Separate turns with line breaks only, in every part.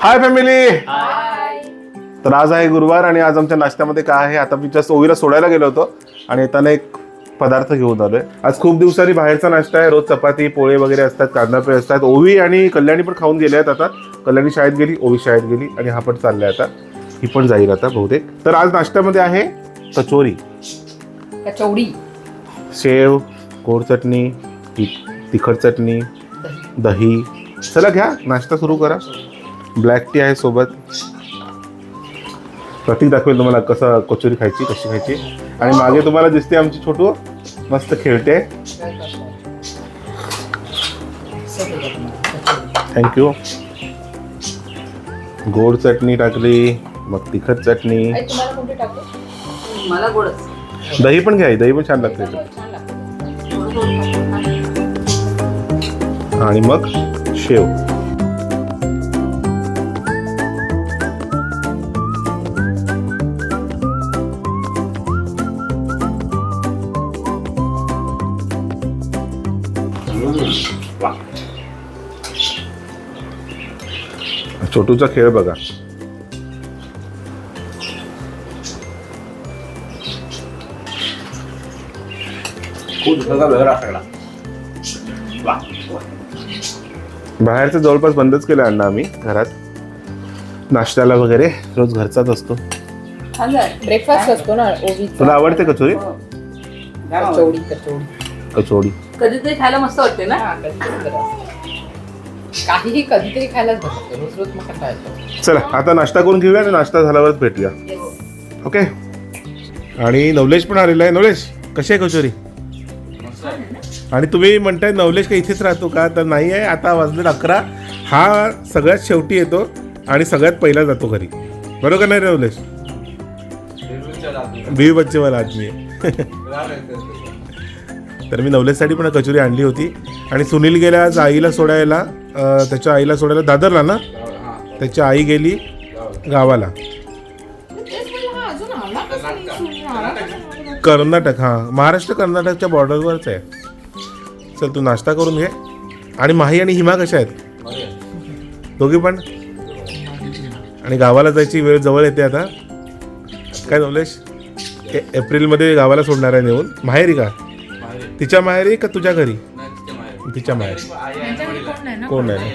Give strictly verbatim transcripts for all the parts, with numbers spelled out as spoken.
Hi family. तर आज आहे गुरुवार आणि आज आमच्या नाश्त्यामध्ये काय आहे, आता मी जस्ट ओवीला सोडायला गेलो होतो आणि येताना एक पदार्थ घेऊन आलोय. आज खूप दिवसांनी बाहेरचा नाश्ता आहे. रोज चपाती पोळे वगैरे असतात, कांदा पोहे असतात. ओवी आणि कल्याणी पण खाऊन गेले आहेत. आता कल्याणी शाळेत गेली, ओवी शाळेत गेली आणि हा पण चाललाय आता. ही पण जाईल आता बहुतेक. तर आज नाश्त्यामध्ये आहे कचोरी,
कचौडी,
शेव, गोड चटणी, तिखट चटणी, दही. चला घ्या, नाश्ता सुरू करा. ब्लॅक टी आहे सोबत. प्रतीक दाखवेल तुम्हाला कसं कचोरी खायची, कशी खायची. आणि मागे तुम्हाला दिसते आमची छोटू मस्त खेळते. थँक्यू. गोड चटणी टाकली, मग तिखट चटणी.
तुम्हाला कोणती टाकू? मला गोडच.
दही पण घ्या, दही पण छान लागते. आणि मग शेव. छोटूचा खेळ बघा. बाहेरचं जवळपास बंदच केलं अण्णा आम्ही. घरात नाश्त्याला वगैरे रोज घरचाच असतो.
ब्रेकफास्ट असतो ना ओवीचा.
तुला आवडते कचोरी?
कचौडी कचौडी
कचोरी
कधीतरी खायला मस्त वाटते ना.
काहीही कधीतरी खायलाच बघतो, रोज रोज मग खायचं.
चला आता नाश्ता करून घेऊया आणि नाश्ता झाल्यावरच भेटूया. ओके. आणि नवलेश पण आलेला आहे. नवलेश कशी आहे कचोरी? आणि तुम्ही म्हणताय नवलेश का इथेच राहतो का? तर नाही आहे. आता वाजले अकरा. हा सगळ्यात शेवटी येतो आणि सगळ्यात पहिला जातो घरी. बरोबर नाही रे नवलेश? बीवी बच्चेवाला आदमी आहे. तर मी नवलेशसाठी पण कचोरी आणली होती. आणि सुनील गेला आज आईला सोडायला, त्याच्या आईला सोडायला दादरला ना. त्याची आई गेली गावाला, कर्नाटक. हां, महाराष्ट्र कर्नाटकच्या बॉर्डरवरच आहे. चल तू नाश्ता करून घे. आणि माही आणि हिमा कशा आहेत? दोघी पण. आणि गावाला जायची वेळ जवळ येते आता. काय नवलेश, एप्रिलमध्ये गावाला सोडणार आहे नेऊन? माहेरी का? तिच्या माहेरी का तुझ्या घरी? तिच्या माहेरी. कोण नाही.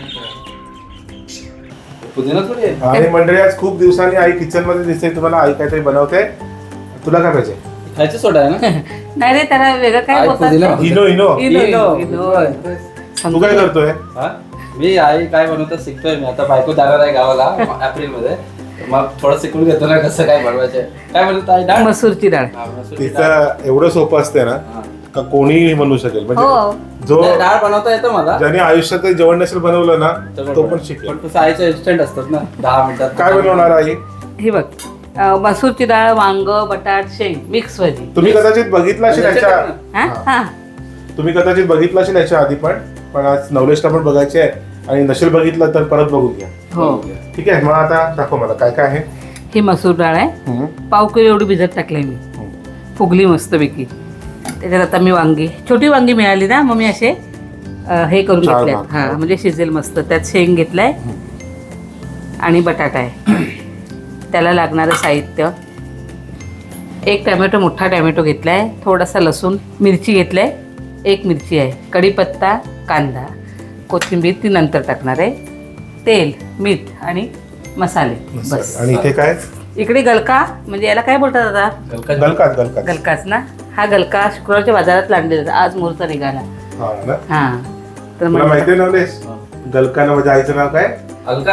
आणि मंडळी आज खूप दिवसांनी आई किचन मध्ये दिसते तुम्हाला. आई काहीतरी बनवते. तुला काय पाहिजे?
खायचं सोडा आहे ना.
नाही रे, त्याला वेगळं काय बोलतात?
Eno Eno.
Eno, Eno, Eno.
तू काय करतोय?
मी आई काय बनवतं शिकतोय. मी आता बायको जाणार आहे गावाला एप्रिल मध्ये. मग थोडं शिकून घेतो ना कसं काय बनवायचं. काय बनवत आई? डाळ,
मसूरची डाळ.
तिचं एवढं सोपं असते ना का कोणीही बनवू शकेल. म्हणजे जो
डाळ बनवता येतं मला.
ज्याने आयुष्यात काही जेवण नसेल बनवलं ना तो पण शिकेल.
पण तसं आईचं इन्स्टंट असतात ना, दहा मिनिटात.
काय बनवणार आई?
हे बघ, अं, मसूरची डाळ, वांग, बटाट, शेंग मिक्स भाजी.
तुम्ही कदाचित बघितलं असेल याच्या
हा हा
तुम्ही कदाचित बघितलं असेल याच्या आधी पण. पण आज नवलेशला पण बघायचे आहे. आणि नसेल बघितलं तर परत बघून घ्या.
हो.
ठीक आहे. मग आता दाखव मला काय काय आहे.
ही मसूर डाळ आहे. पाव किलो एवढी भिजत टाकली मी. फुगली मस्तपैकी. त्याच्यात आता मी वांगी, छोटी वांगी मिळाली ना, मग मी असे अं, हे करून
चार
घेतले.
भाग.
हा, म्हणजे शिजेल मस्त. त्यात शेंग घेतलाय आणि बटाटा आहे. त्याला लागणारं साहित्य: एक टॅमॅटो, मोठा टॅमॅटो घेतलाय, थोडासा लसूण, मिरची घेतलाय, एक मिरची आहे, कढीपत्ता, कांदा, कोथिंबीर ती नंतर टाकणार आहे, तेल, मीठ आणि मसाले. बस.
आणि इथे काय?
इकडे गलका, म्हणजे याला काय बोलतात आता?
गलकाच गलकाच
गलकाच ना. हा गलका शुक्रवारच्या बाजारात लागलेला. आज मुहूर्त निघाला.
हा ना.
हा. तर
तुला माहिती आहे नवलेश, गलकानं माझ्या आईचं नाव काय?
अलका.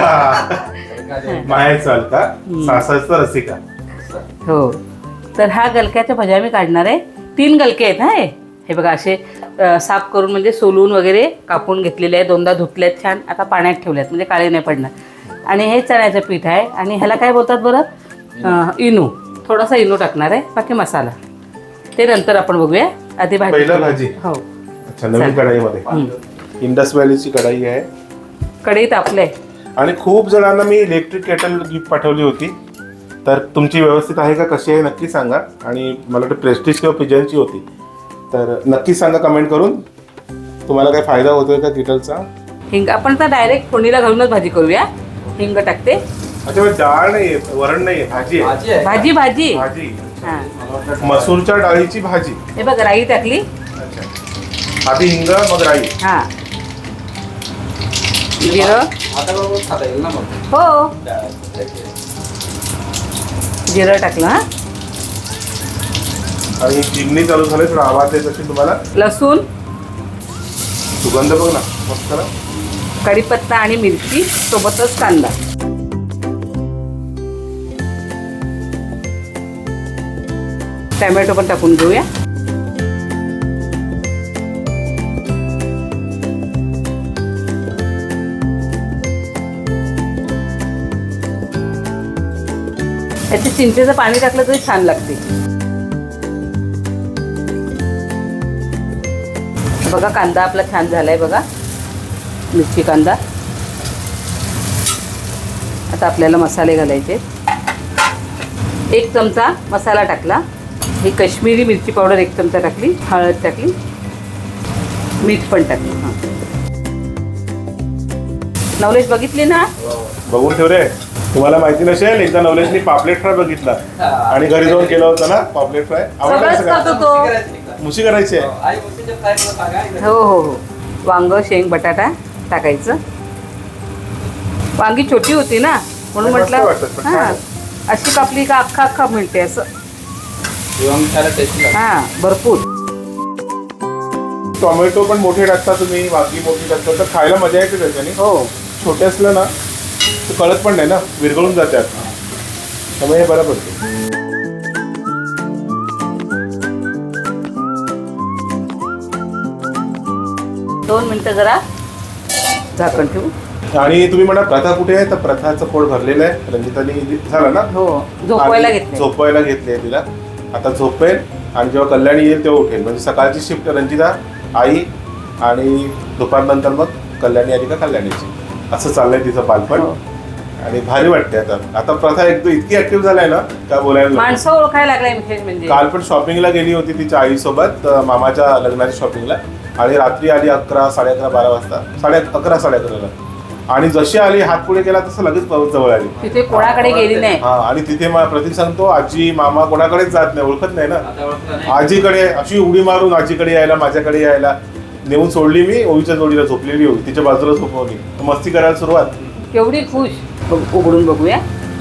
अलका. मायाचं अलका, सासरचं रसिका.
हो. तर हा गलक्याच्या भज्या मी काढणार आहे. तीन गलके आहेत. हा, हे बघा असे अ, साफ करून म्हणजे सोलून वगैरे कापून घेतलेले आहेत. दोनदा धुतलेत छान. आता पाण्यात ठेवल्यात म्हणजे काळे नाही पडणार. आणि हे चण्याचं पीठ आहे. आणि ह्याला काय बोलतात बरं? अ, इनो. थोडासा इनो टाकणार आहे. बाकी मसाला ते नंतर आपण बघूया. आधी भाजी.
पहिलं भाजी.
हो.
अच्छा, नवीन कढाईमध्ये. इंडस व्हॅलीची कढाई आहे.
कढई तापले.
आणि खूप जणांना मी इलेक्ट्रिक केटल गिफ्ट पाठवली होती. तर तुमची व्यवस्थित आहे का, कशी आहे नक्की सांगा. आणि मला वाटतं प्रेस्टिज किंवा पिजनची होती. तर नक्की सांगा कमेंट करून. तुम्हाला काय फायदा होतोय का किटलचा?
हिंग आपण तर डायरेक्ट फोडणीला घालूनच भाजी करूया. हिंग टाकते.
अच्छा मग डाळ नाही वरण नाही भाजी आहे.
भाजी आहे
भाजी भाजी
भाजी
हा.
मला वाटलं
मसूरच्या डाळीची भाजी.
हे बघ राई टाकली.
अच्छा आधी हिंग मग राई.
हा जिरं.
आता बरोबर खाता येईल ना मग.
हो जिरं टाकलं. हा
आणि चिमणी चालू झाले थोडा आवाज येत असेल तुम्हाला.
लसूण,
सुगंध बघ ना मस्त ना.
कढीपत्ता आणि मिरची सोबतच कांदा. टोमॅटो पण टाकून घेऊया. याचे चिंचेचं पाणी टाकलं तरी छान लागते. बघा कांदा आपला छान झालाय बघा, मिरची कांदा. आता आपल्याला मसाले घालायचे. एक चमचा मसाला टाकला. ही काश्मीरी मिरची पावडर एक चमचा टाकली. हळद टाकली. मीठ पण टाकली. हां नवलेश बघितली ना.
बघून ठेव रे. तुम्हाला माहिती नसेल एकदा नवलेशनी पापलेट फ्राय बघितला आणि घरी जाऊन केलं होतं ना पापलेट फ्राय.
सगळंच करतो
आवडलं.
तो.
मुशी करायची आहे.
आई मुशीच्या फ्राय मला सांगा एकदा.
हो हो हो वांग शेंग बटाटा टाकायचं. वांगी छोटी होती ना म्हणून
मस्त
म्हटलं
वाटतं, पण
हां
छान.
अशी कापली का अख्खा अख्खा मिळते असं.
जेवण खायला टेस्टी लागतं.
हां भरपूर.
टोमॅटो पण मोठे टाकता तुम्ही, वांगी मोठी टाकता तर खायला मजा येते त्याच्याने.
हो
छोटे असलं ना तर कळत पण नाही ना, विरघळून जातात. त्यामुळे हे बरं पडते.
दोन मिनटं जरा झाकण ठेवू.
आणि तुम्ही म्हणा प्रथा कुठे आहे, तर प्रथाचं पोट भरलेलं आहे. रंजितानी झालं ना
हो झोपवायला
आणि
घेतलं.
झोपवायला घेतली आहे तिला. आता झोपेल आणि जेव्हा कल्याणी येईल तेव्हा उठेल. म्हणजे सकाळची शिफ्ट रंजिता आई आणि दुपारनंतर मग कल्याणी आली का कल्याणीची. असं चाललंय तिचं बालपण.
हो.
आणि भारी वाटते आता. आता प्रथा एकदम इतकी ऍक्टिव्ह झालाय ना काय बोलायला नको.
माणसं ओळखायला लागलाय विशेष म्हणजे.
काल पण शॉपिंगला गेली होती तिच्या आईसोबत अं, मामाच्या लग्नाच्या शॉपिंगला. आणि रात्री आली अकरा साडे अकरा बारा वाजता. साडे अकरा साडे अकराला. आणि जशी आली हात पुढे केला तसं लगेच परत जवळ आली.
तिथे कोणाकडे गेली नाही.
हा आणि तिथे मला प्रतीक सांगतो आजी मामा कोणाकडेच जात नाही, ओळखत नाही ना.
आता ओळखलं नाही.
आजीकडे अशी उडी मारून आजीकडे यायला माझ्याकडे यायला. नेऊन सोडली मी ओवीच्या जोडीला. झोपलेली होती तिच्या बाजूला झोपवली. मस्ती करायला सुरुवात.
केवढी खुश. बघ- उघडून बघूया.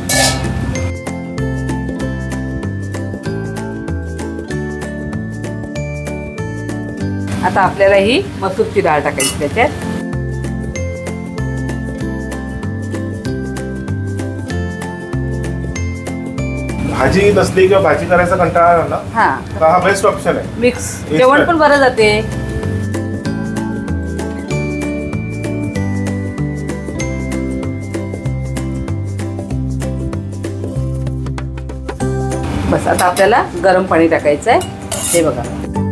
आता आपल्याला ही मसूरची डाळ टाकायची त्याच्यात.
भाजी नसली किंवा भाजी करायचा कंटाळा आला ना
हा
तर हा बेस्ट ऑप्शन आहे.
मिक्स जेवण पण बरं जाते. बस आता आपल्याला गरम पाणी टाकायचं आहे. हे बघा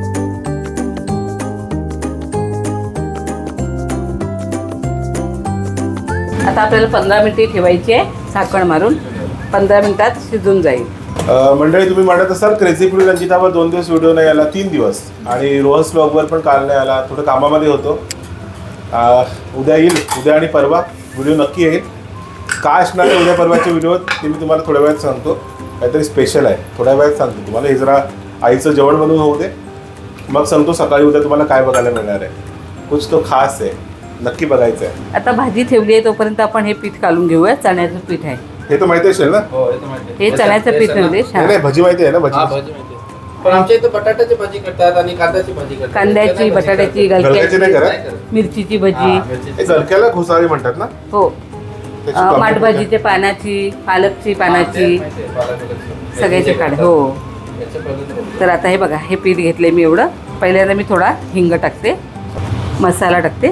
आता आपल्याला पंधरा मिनिटे ठेवायची आहे झाकण मारून. पंधरा मिनिटात शिजून जाईल.
अं, मंडळी तुम्ही म्हणत असाल क्रेझी फूड रंजितावर दोन दिवस व्हिडिओ नाही आला, तीन दिवस. आणि रोहस ब्लॉगवर पण काल नाही आला, थोडं कामामध्ये होतो. अं, उद्या येईल. उद्या आणि परवा व्हिडिओ नक्की येईल. काय असणार आहे उद्या परवाच्या व्हिडिओत ते मी तुम्हाला थोड्या वेळात सांगतो. काहीतरी स्पेशल आहे थोड्या वेळात सांगतो तुम्हाला. हे जरा आईचं जेवण बनवून होऊ दे मग सांगतो सकाळी उद्या तुम्हाला काय बघायला मिळणार आहे. कुछ तो खास आहे, नक्की बघायचं आहे.
आता भाजी ठेवली आहे तोपर्यंत आपण हे पीठ काढून घेऊया. चण्याचं पीठ आहे
हे तर माहिती असेल ना.
हो हे तर माहिती आहे.
हे चण्याचं पीठ
बेसन ना?
नव्हते.
नाही नाही, भजी माहिती आहे ना.
हा
भजी
भाजी माहिती आहे. पण आमच्या इथे बटाट्याची भाजी करतात आणि कांद्याची भाजी करतात.
कांद्याची,
इथे नाही भाजी
बटाट्याची,
करतात.
गलक्याची नाही
गलक्याची,
करत.
नाही करत.
मिरचीची
हा,
भजी.
मिरचीची.
हे गलक्याला घुसाळी म्हणतात ना.
हो
त्याची
अं,
complete
माठभाजीच्या पानाची, पालकची
हा,
पानाची,
ते माहिती आहे, पालकची.
सगळ्याची
याचे
काढ.
करतात.
हो
याचे पहिले तर-
तर आता हे बघा हे पीठ घेतले मी एवढं. पहिल्यांदा मी थोडा हिंग टाकते. मसाला टाकते.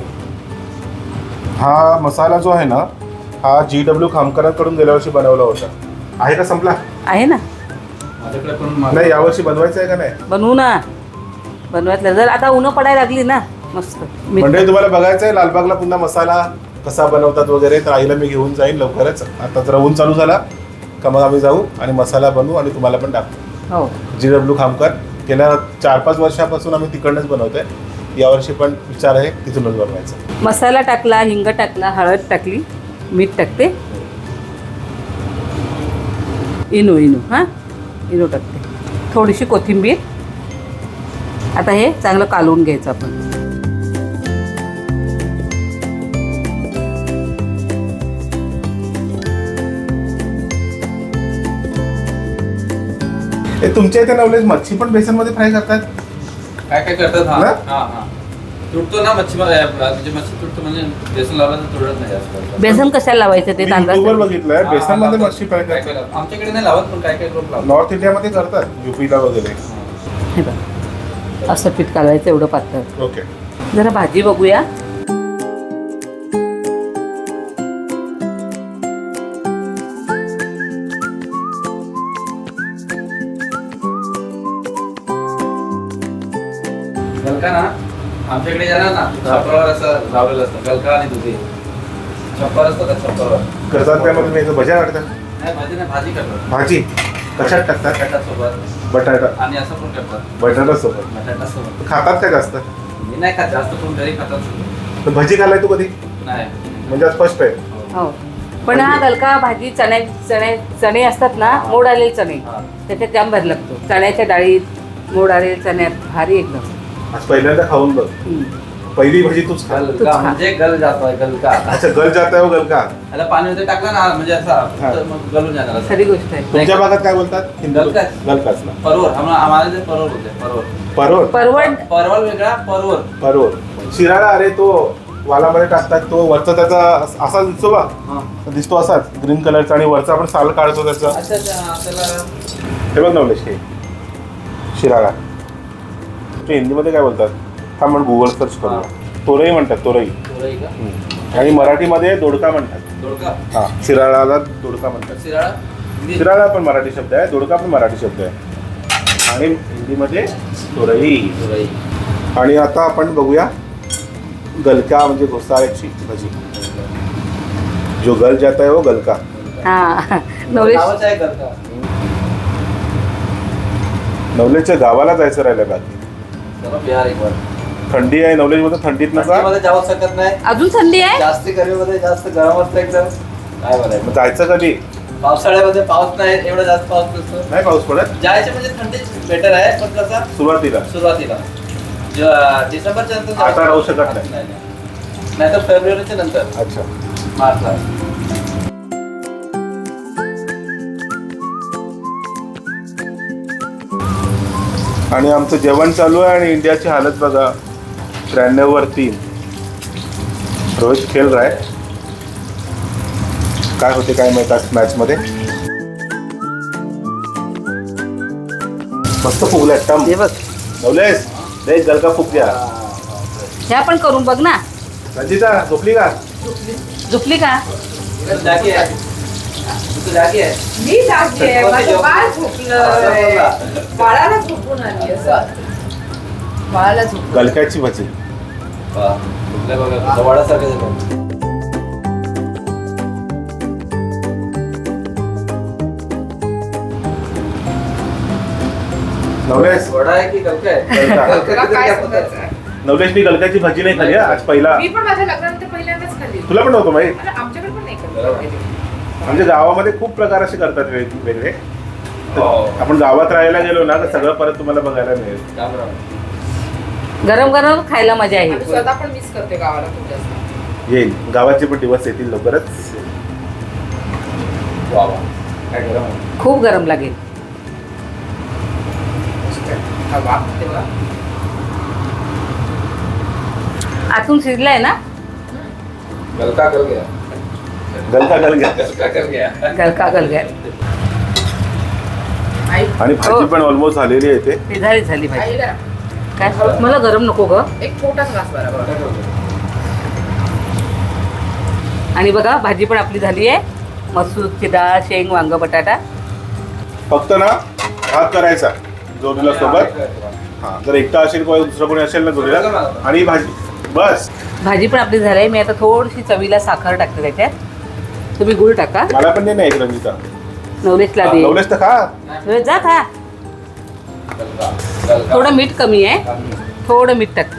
हा मसाला जो आहे ना हा जी डब्ल्यू खामकरांकडून गेल्या वर्षी बनवला होता. आहे का संपला?
आहे ना.
माझ्याकडे पण मा-
नाही यावर्षी बनवायचं आहे का नाही?
बनवू ना. बनवायला जर आता उन्हं पडायला लागली ना मस्त. मीठ
म्हणजे तुम्हाला बघायचं आहे लालबागला पुन्हा मसाला कसा बनवतात वगैरे तर आईला मी घेऊन जाईन लवकरच. आता जरा ऊन चालू झाला का मग आम्ही जाऊ आणि मसाला बनवू आणि तुम्हाला पण टाकू.
हो
जी डब्ल्यू खामकर गेल्या चार पाच वर्षापासून आम्ही तिकडनंच बनवतोय. यावर्षी पण विचार आहे तिथूनच बनवायचं.
मसाला टाकला, हिंग टाकला, हळद टाकली, मीठ टाकते. इनो इनो हां इनो टाकते, थोडीशी कोथिंबीर. आता हे चांगलं कालवून घ्यायचं आपण.
हे तुमच्या इथे नवलेश मच्छी पण बेसनमध्ये फ्राय करतात?
काय काय करतात. हा
ना?
हा हा तुटतो ना मच्छी मध्ये, म्हणजे मच्छी तुटतो म्हणजे बेसन लावलं तर तुटत नाही जास्त.
बेसन कशाला लावायचं ते
मी युट्यूबवर
तांदळाचं?
बघितलंय
हा,
बेसनमध्ये
लावतात.
मच्छी फ्राय
काय
करतात.
काय आमच्याकडे नाही लावत, पण काय काय लोक लावतात.
नॉर्थ इंडियामध्ये करतात, युपीला वगैरे.
हे बघ असं पीठ कालवायचं एवढं पातळ.
ओके.
जरा भाजी बघूया.
गलका ना आमच्याकडे जाणार ना छप्परावर असं लावलेलं असतं, गलका आणि दुधी छप्पर असतं त्या छप्परावर.
करतात त्यामध्ये मी याचं भज्या टाकतात.
नाही भाजी नाही, भाजी करतात
भाजी कशात टाकतात?
बटाटा सोबत
बटाटा.
आणि असं पण करतात
बटाटा सोबत
बटाटा सोबत.
खातात काय जास्त?
मी नाही खात जास्त, पण घरी खातात.
तर भजी खाल्लाय तू कधी?
नाही
म्हणजे आज फर्स्ट आहे.
हो पण हा गलका भाजी चण्या चणे चणे असतात ना, मोड आलेले चणे,
हा.
त्याच्यात जाम भारी लागतो. चण्याच्या डाळीत मोड आलेले चण्यात भारी एकदम.
आज पहिल्यांदा खाऊन बघ.
हम्म.
पहिली भाजी तूच खा.
गलका
खा.
म्हणजे गल जातोय गलका.
अच्छा, गल जाता हो गलका.
त्याला पाणी वगैरे टाकलं ना म्हणजे
हा.
असा तर मग गलून जाणार असं.
खरी गोष्ट आहे.
तुमच्या भागात काय बोलतात?
गलकाच.
गलकाच ना.
परवर आम्हाला आम्हाला ते परवर होते परवर.
परवळ.
परवड
परवल वेगळा परवर.
परवळ. शिराळा, अरे तो वालामध्ये टाकतात तो वरचा त्याचा अस- असा दिसतो बा,
हा.
दिसतो असाच ग्रीन कलरचा, आणि वरचा आपण साल काढतो त्याचा.
अच्छा अच्छा त्याला
हे बघ नवलेश, हे शिराळा. ते हिंदीमध्ये काय बोलतात हा म्हण गुगल सर्च करू.
हा.
तोरई म्हणतात, तोरई.
तोरई का?
हम्म. आणि मराठीमध्ये दोडका म्हणतात.
दोडका.
हा, शिराळाला दोडका म्हणतात.
शिराळा हिंदी.
शिराळा पण मराठी शब्द आहे, दोडका पण मराठी शब्द आहे, आणि हिंदीमध्ये तोरई.
तोरई.
आणि आता आपण बघूया गलका म्हणजे घोसाळ्याची भाजी. जो गल जाता है वो गलका.
हा नवलेश
नावच आहे गलका.
नवलेशच्या गावाला जायचं राहिलं बाकी.
चला बिहार एक बार.
थंडी आहे नवलेश मध्ये, थंडीत नका
थंडीमध्ये जाऊ शकत नाही,
अजून थंडी आहे.
जास्त गरमीमध्ये जास्त गरम असतं एकदम. काय
मग
बोलायचं.
जायचं कधी?
पावसाळ्यामध्ये पाऊस नाही, एवढा जास्त पाऊस नसतो.
नाही पाऊस पडत
जायचे म्हणजे थंडी बेटर आहे, पण कसा
सुरुवातीला.
सुरुवातीला ज- डिसेंबरच्या नंतर जाऊ
आता राहू शकत
शकत
नाही.
नाही. नाहीतर फेब्रुवारीच्या नंतर
अच्छा.
मार्चला.
आणि आमचं जेवण चालू आहे, आणि इंडियाची हालत बघा, त्र्याण्णव वर तीन. रोहित खेळ राय, काय होते काय माहित आज मॅच मध्ये. मस्त फुगल्या टम.
हे बघ
नवलेश देख गलका फुग गया.
ह्या पण करून बघ ना.
रंजिता झोपली का?
झोपली का?
इकडं जागी आहे. इकडं जागी आहे.
मी जागते आहे, माझं बाळ झोपलंय.
असं
बाळाला झोपून आली असं. बाळाला झोप.
गलक्याची भाजी.
वा, कुठल्या बघा वडासारखं झालं.
नवलेश
वडा आहे की गलका आहे?
गलका.
गलका
तुला
किती
काय
जास्त आहे?
समजायचं आहे?
नवलेशनी गलक्याची भाजी नाही खाल्ली हा, आज पहिला.
मी पण माझ्या लग्नानंतर पहिल्यांदाच खाल्ली.
तुला पण नव्हतं माहित?
आणि आमच्याकडे पण नाही
बरोबर.
करत.
म्हणजे गावामध्ये खूप प्रकार असे करतात वेगवेगळे. तर
हो.
आपण गावात राहायला गेलो ना तर सगळं परत तुम्हाला बघायला मिळेल.
राम राम.
गरम गरम खायला मजा
आणि
आहे.
स्वतः पण मिस करते गावाला खूप जास्त.
येईल, गावाचे पण दिवस येतील लवकरच.
वा वा. काय गरम आहे.
खूप गरम लागेल.
हा वाफ तेव्हा.
आतून शिजलाय ना.
गलका कर गया.
गलका गल घ्या.
गलका कर गया.
गलका गलगा
आई
आणि भाजी
हो.
पण ऑलमोस्ट झालेली आहे ते.
ते झाली झाली भाजी.
आई जरा
काय मला गरम नको ग.
एक छोटाच घास बरोबर.
आणि बघा भाजी पण आपली झाली आहे. मसूरची डाळ, शेंग, वांग, बटाटा.
फक्त ना भात करायचा जोडीला सोबत. हा, जर एकटा असेल किंवा दुसरं कोणी असेल ना जोडीला, आणि भाजी बस.
भाजी पण आपली झाली आहे. मी आता थोडीशी चवीला साखर टाकते त्याच्यात. तुम्ही गुळ टाका.
मला पण दे ना एक रंजिता.
नवलेशला दे.
नवलेश तर खा.
नवलेश जा खा.
गलका. गलका.
थोडं मीठ कमी आहे, थोडं मीठ टाकते.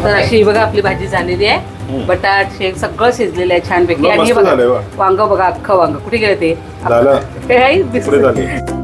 तर अशी ही बघा आपली भाजी झालेली आहे. बटाट शेंग सगळं शिजलेलं आहे छानपैकी.
मग
आणि हे
मस्त झालंय
बघा
वा.
वांग बघा, अख्खं वांग कुठे गेलं ते
झालं.
हे आहे,
पुढे
दिसतंय.
झाली.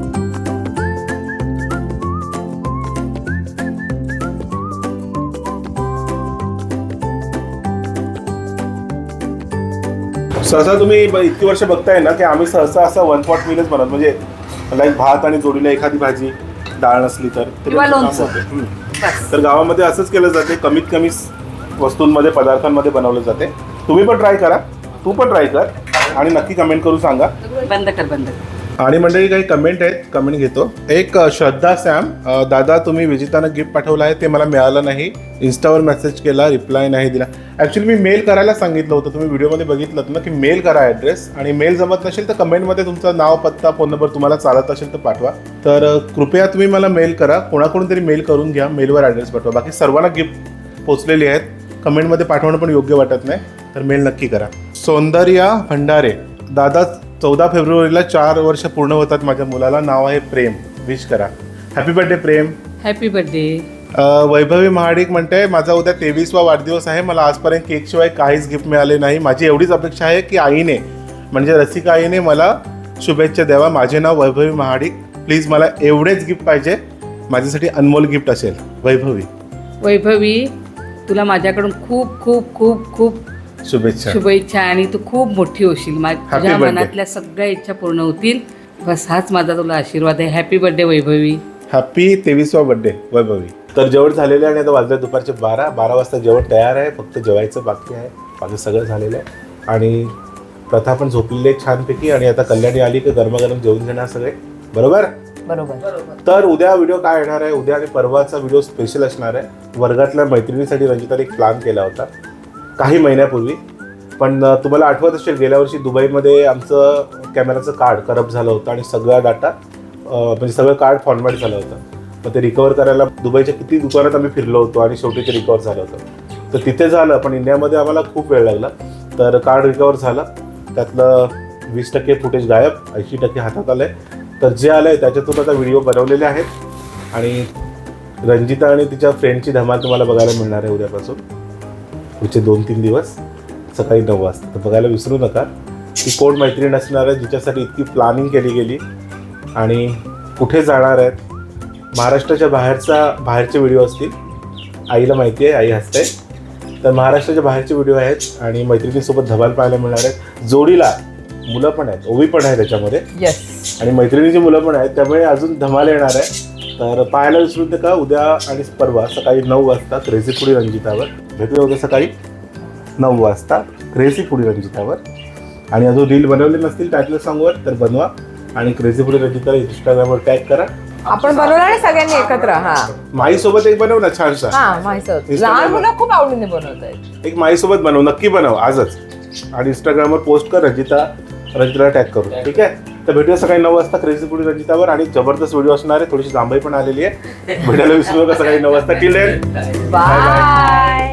सहसा तुम्ही ब- इतकी वर्ष बघताय ना की आम्ही सहसा असं वन पॉट मीलच बनवतो, म्हणजे लाईक भात आणि जोडीला एखादी भाजी, डाळ नसली तर ते
किंवा
काम
लोणचं.
होते. हम्म.
बस.
तर गावामध्ये असंच केलं जाते, कमीत कमी स- वस्तूंमध्ये पदार्थांमध्ये बनवलं जाते. तुम्ही पण ट्राय करा, तू पण ट्राय कर आणि नक्की कमेंट करून सांगा.
बंद कर बंद कर.
आणि मंडळी काही कमेंट आहेत, कमेंट घेतो. एक अ, श्रद्धा सॅम, अ, दादा तुम्ही विजितानं गिफ्ट पाठवलं आहे ते मला मिळालं नाही, इन्स्टावर मेसेज केला, रिप्लाय नाही दिला. ॲक्च्युली मी मेल करायला सांगितलं होतं, तुम्ही व्हिडिओमध्ये बघितलं ना की मेल करा ॲड्रेस, आणि मेल जमत नसेल तर कमेंटमध्ये तुमचं नाव, पत्ता, फोन नंबर तुम्हाला चालत असेल तर पाठवा. तर अ, कृपया तुम्ही मला मेल करा, कोणाकडून तरी मेल करून घ्या, मेलवर ॲड्रेस पाठवा. बाकी सर्वांना गिफ्ट पोचलेली आहेत, कमेंटमध्ये पाठवणं पण योग्य वाटत नाही, तर मेल नक्की करा. सौंदर्या भंडारे, दादा चौदा फेब्रुवारीला चार वर्ष पूर्ण होतात माझ्या मुलाला, नाव आहे प्रेम, विश करा. Happy birthday Prem.
Happy birthday.
अ, वैभवी महाडिक म्हणते माझा उद्या तेवीसवा वाढदिवस आहे, मला आजपर्यंत केकशिवाय काहीच गिफ्ट मिळाले नाही. माझी एवढीच अपेक्षा आहे की आईने म्हणजे रसिका आईने मला शुभेच्छा द्यावा. माझे नाव वैभवी महाडिक, प्लीज मला एवढेच गिफ्ट पाहिजे, माझ्यासाठी अनमोल गिफ्ट असेल. वैभवी.
वैभवी तुला माझ्याकडून खूप खूप खूप खूप
शुभेच्छा.
शुभेच्छा आणि तू खूप मोठी होशील. मा-
Happy
तुझ्या
birthday.
मनातल्या सगळ्या इच्छा पूर्ण होतील. बस हाच माझा तुला आशीर्वाद आहे. Happy birthday Vaibhavi.
हॅपी तेवीसवा बर्थडे वैभवी. तर जेवण झालेलं आहे आणि आता वाजले दुपारचे बारा बारा वाजता जेवण तयार आहे, फक्त जेवायचं बाकी आहे, बाकी सगळं झालेलं आहे. आणि प्रथा पण झोपलेली आहे छानपैकी, आणि आता कल्याणी आली की गरमागरम जेवून घेणार सगळे, बरोबर.
बरोबर.
तर उद्या व्हिडिओ काय येणार आहे, उद्या आणि परवाचा व्हिडिओ स्पेशल असणार आहे. वर्गातल्या मैत्रिणीसाठी रंजिताने एक प्लॅन केला होता काही महिन्यापूर्वी, पण अ, तुम्हाला आठवत असेल गेल्या वर्षी दुबईमध्ये आमचं कॅमेराचं कार्ड करप्ट झालं होतं आणि सगळा डाटा म्हणजे सगळं कार्ड फॉर्मॅट झालं होतं. मग ते रिकवर करायला दुबईच्या किती दुकानात आम्ही फिरलो होतो आणि शेवटी ते रिकवर झालं होतं. तर तिथे झालं, पण इंडियामध्ये आम्हाला खूप वेळ लागला. तर कार्ड रिकवर झालं, त्यातलं वीस टक्के फुटेज गायब, ऐंशी टक्के हातात आलं आहे. तर जे आलं आहे त्याच्यातून आता व्हिडिओ बनवलेले आहेत, आणि रंजिता आणि तिच्या फ्रेंडची धमाल तुम्हाला बघायला मिळणार आहे उद्यापासून पुढचे दोन तीन दिवस सकाळी नऊ वाजता. तर बघायला विसरू नका की कोण मैत्रीण असणार आहे जिच्यासाठी इतकी प्लॅनिंग केली गेली आणि कुठे जाणार आहेत. महाराष्ट्राच्या बाहेरचा बाहेरचे व्हिडिओ असतील, आईला माहिती आहे, आई हसते. तर महाराष्ट्राच्या बाहेरचे व्हिडिओ आहेत आणि मैत्रिणीसोबत धमाल पाहायला मिळणार आहेत. जोडीला मुलं पण आहेत, ओवी पण आहे त्याच्यामध्ये,
येस.
आणि मैत्रिणीची मुलं पण आहेत, त्यामुळे अजून धमाल येणार आहे. तर पाहायला विसरू नका उद्या आणि परवा सकाळी नऊ वाजता क्रेझी फूडी रंजितावर. भेटूया उद्या सकाळी नऊ वाजता क्रेझी फूडी रंजितावर. आणि अजून रील बनवले नसतील टायटल सॉंगवर तर बनवा, आणि क्रेझी फूडी रंजिताला इंस्टाग्रामवर टॅग करा.
आपण बनवणार आहे सगळ्यांनी एकत्र. हा
माईसोबत एक बनव ना छानसा.
हा माहिती होतं.
Instagram
लहान
वर.
मुलं खूप आवडीने बनवत आहेत.
एक माईसोबत बनव, नक्की बनव आजच, आणि इंस्टाग्रामवर पोस्ट कर, रंजिता रंजिताला टॅग करू. ठीक आहे. तर भेटूया सकाळी नऊ वाजता क्रेझी फूडी रंजितावर, आणि जबरदस्त व्हिडिओ असणार आहे. थोडीशी जांभई पण आलेली आहे. भेटायला विसरू नका सकाळी नऊ वाजता. Till then
bye.